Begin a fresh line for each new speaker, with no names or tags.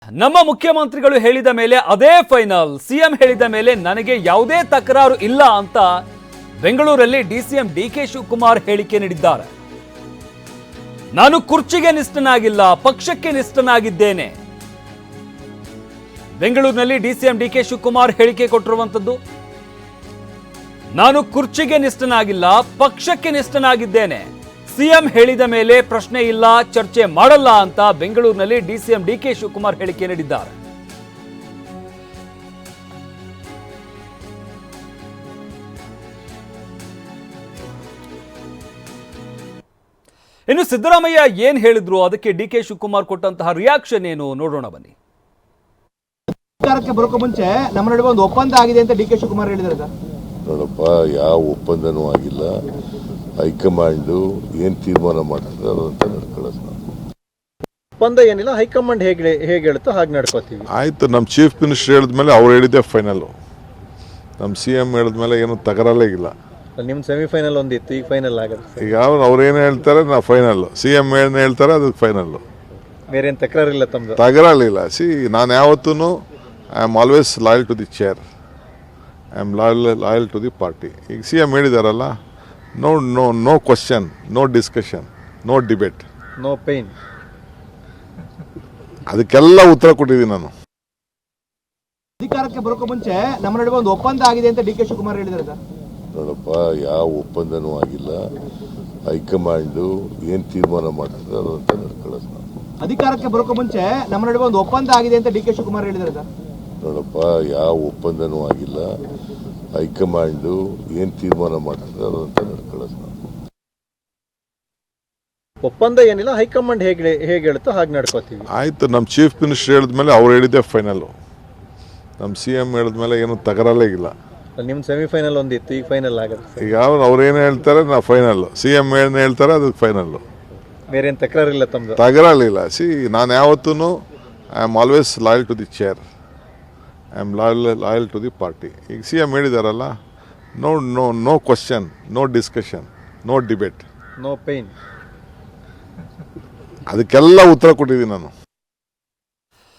ನಮ್ಮ ಮುಖ್ಯಮಂತ್ರಿಗಳು ಹೇಳಿದ ಮೇಲೆ ಅದೇ ಫೈನಲ್, ಸಿಎಂ ಹೇಳಿದ ಮೇಲೆ ನನಗೆ ಯಾವುದೇ ತಕರಾರು ಇಲ್ಲ ಅಂತ ಬೆಂಗಳೂರಲ್ಲಿ ಡಿಸಿಎಂ ಡಿಕೆ ಶಿವಕುಮಾರ್ ಹೇಳಿಕೆ ನೀಡಿದ್ದಾರೆ. ನಾನು ಕುರ್ಚಿಗೆ ನಿಷ್ಠನಾಗಿಲ್ಲ, ಪಕ್ಷಕ್ಕೆ ನಿಷ್ಠನಾಗಿದ್ದೇನೆ. ಬೆಂಗಳೂರಿನಲ್ಲಿ ಡಿಸಿಎಂ ಡಿಕೆ ಶಿವಕುಮಾರ್ ಹೇಳಿಕೆ ಕೊಟ್ಟಿರುವಂತದ್ದು, ನಾನು ಕುರ್ಚಿಗೆ ನಿಷ್ಠನಾಗಿಲ್ಲ, ಪಕ್ಷಕ್ಕೆ ನಿಷ್ಠನಾಗಿದ್ದೇನೆ. ಸಿಎಂ ಹೇಳಿದ ಮೇಲೆ ಪ್ರಶ್ನೆ ಇಲ್ಲ, ಚರ್ಚೆ ಮಾಡಲ್ಲ ಅಂತ ಬೆಂಗಳೂರಿನಲ್ಲಿ ಡಿಸಿಎಂ ಡಿಕೆ ಶಿವಕುಮಾರ್ ಹೇಳಿಕೆ ನೀಡಿದ್ದಾರೆ. ಇನ್ನು ಸಿದ್ದರಾಮಯ್ಯ ಏನ್ ಹೇಳಿದ್ರು, ಅದಕ್ಕೆ ಡಿಕೆ ಶಿವಕುಮಾರ್ ಕೊಟ್ಟಂತಹ ರಿಯಾಕ್ಷನ್ ಏನು ನೋಡೋಣ ಬನ್ನಿ.
ಸರ್ಕಾರಕ್ಕೆ ಬರೋಕೆ ಮುಂಚೆ ನಮ್ಮ ನಡುವೆ ಒಂದು ಒಪ್ಪಂದ ಆಗಿದೆ ಅಂತ ಡಿಕೆ ಶಿವಕುಮಾರ್ ಹೇಳಿದ್ದಾರೆ.
ನೋಡಪ್ಪ, ಯಾವ ಒಪ್ಪಂದನೂ ಆಗಿಲ್ಲ. ಹೈಕಮಾಂಡ್ ಏನ್ ತೀರ್ಮಾನ ಮಾಡ್ತಾರೆ ಅದಂತ ನಡ್ಕೊಳ್ಳೋದು.
ಒಪ್ಪಂದ ಏನಿಲ್ಲ, ಹೈಕಮಾಂಡ್ ಹೇಗೆ ಹೇಳುತ್ತೋ ಹಾಗೆ ನಡ್ಕೋತೀವಿ.
ಆಯ್ತು, ನಮ್ಮ ಚೀಫ್ ಮಿನಿಸ್ಟರ್ ಹೇಳಿದ್ಮೇಲೆ ಅವ್ರು ಹೇಳಿದ್ದೆ ಫೈನಲ್. ನಮ್ಮ CM ಹೇಳಿದ್ಮೇಲೆ ಏನು ತಕರಾರೇ ಇಲ್ಲ.
ನಿಮ್ಮ ಸೆಮಿಫೈನಲ್ ಒಂದಿತ್ತು, ಈಗ ಫೈನಲ್ ಆಗುತ್ತೆ.
ಈಗ ಅವ್ರೇನು ಹೇಳ್ತಾರೆ ನಾ ಫೈನಲ್, CM ಏನು ಹೇಳ್ತಾರೆ ಅದಕ್ಕೆ ಫೈನಲ್.
ಬೇರೆ ಏನು ತಕರಾರಿಲ್ಲ, ತಮ್ಮದು
ತಕರಾರಿಲ್ಲ. ನಾನು ಯಾವತ್ತೂ I am always loyal to the chair, I am loyal to the party. ಈಗ CM ಹೇಳಿದಾರಲ್ಲ, no question, no discussion, no debate,
no pain.
ಅದಕ್ಕೆಲ್ಲ ಉತ್ತರ ಕೊಟ್ಟಿದ್ದೀನಿ ನಾನು.
ಅಧಿಕಾರಕ್ಕೆ ಬರೋಕೆ ಮುಂಚೆ ನಮ್ಮ ನಡುವೆ ಒಂದು ಒಪ್ಪಂದ ಆಗಿದೆ ಅಂತ ಡಿಕೆ ಶಿವಕುಮಾರ್ ಹೇಳಿದ್ದಾರೆ.
ನೋಡಪ್ಪ, ಯಾವ ಒಪ್ಪಂದನೂ ಆಗಿಲ್ಲ. ಹೈಕಮಾಂಡ್ ಏನ್ ತೀರ್ಮಾನ ಮಾಡ್ತಾರೆ ಅದಂತ ನಡ್ಕೊಳ್ಳೋದು.
ಅಧಿಕಾರಕ್ಕೆ ಬರೋಕೆ ಮುಂಚೆ ನಮ್ಮ ನಡುವೆ ಒಂದು ಒಪ್ಪಂದ ಆಗಿದೆ ಅಂತ ಡಿಕೆ ಶಿವಕುಮಾರ್ ಹೇಳಿದ್ದಾರೆ.
ನೋಡಪ್ಪ, ಯಾವ ಒಪ್ಪಂದನೂ ಆಗಿಲ್ಲ. ಹೈಕಮಾಂಡ್ ಏನ್ ತೀರ್ಮಾನ ಮಾಡ್ತಾರೆ ಅದಂತ ನಡ್ಕೊಳ್ಳೋದು.
ಒಪ್ಪಂದ ಏನಿಲ್ಲ, ಹೈಕಮಾಂಡ್ ಹೇಗೆ ಹೇಳುತ್ತೋ ಹಾಗೆ ನಡ್ಕೋತೀವಿ.
ಆಯ್ತು, ನಮ್ಮ ಚೀಫ್ ಮಿನಿಸ್ಟರ್ ಹೇಳಿದ್ಮೇಲೆ ಅವ್ರು ಹೇಳಿದ್ದೆ ಫೈನಲ್. ನಮ್ಮ CM ಹೇಳಿದ್ಮೇಲೆ ಏನು ತಕರಾರೇ ಇಲ್ಲ.
ನಿಮ್ಮ ಸೆಮಿಫೈನಲ್ ಒಂದಿತ್ತು, ಈಗ ಫೈನಲ್ ಆಗುತ್ತೆ.
ಈಗ ಅವ್ರೇನು ಹೇಳ್ತಾರೆ ನಾ ಫೈನಲ್, CM ಏನು ಹೇಳ್ತಾರೆ ಅದಕ್ಕೆ ಫೈನಲ್.
ಬೇರೆ ಏನು ತಕರಾರಿಲ್ಲ, ತಮ್ಮದು
ತಕರಾರಿಲ್ಲ. ನಾನು ಯಾವತ್ತೂ I am always loyal to the chair, I am loyal to the party. ಈಗ CM ಹೇಳಿದಾರಲ್ಲ, no question, no discussion, no debate,
no pain.
ಅದಕ್ಕೆಲ್ಲ ಉತ್ತರ ಕೊಟ್ಟಿದ್ದೀನಿ ನಾನು.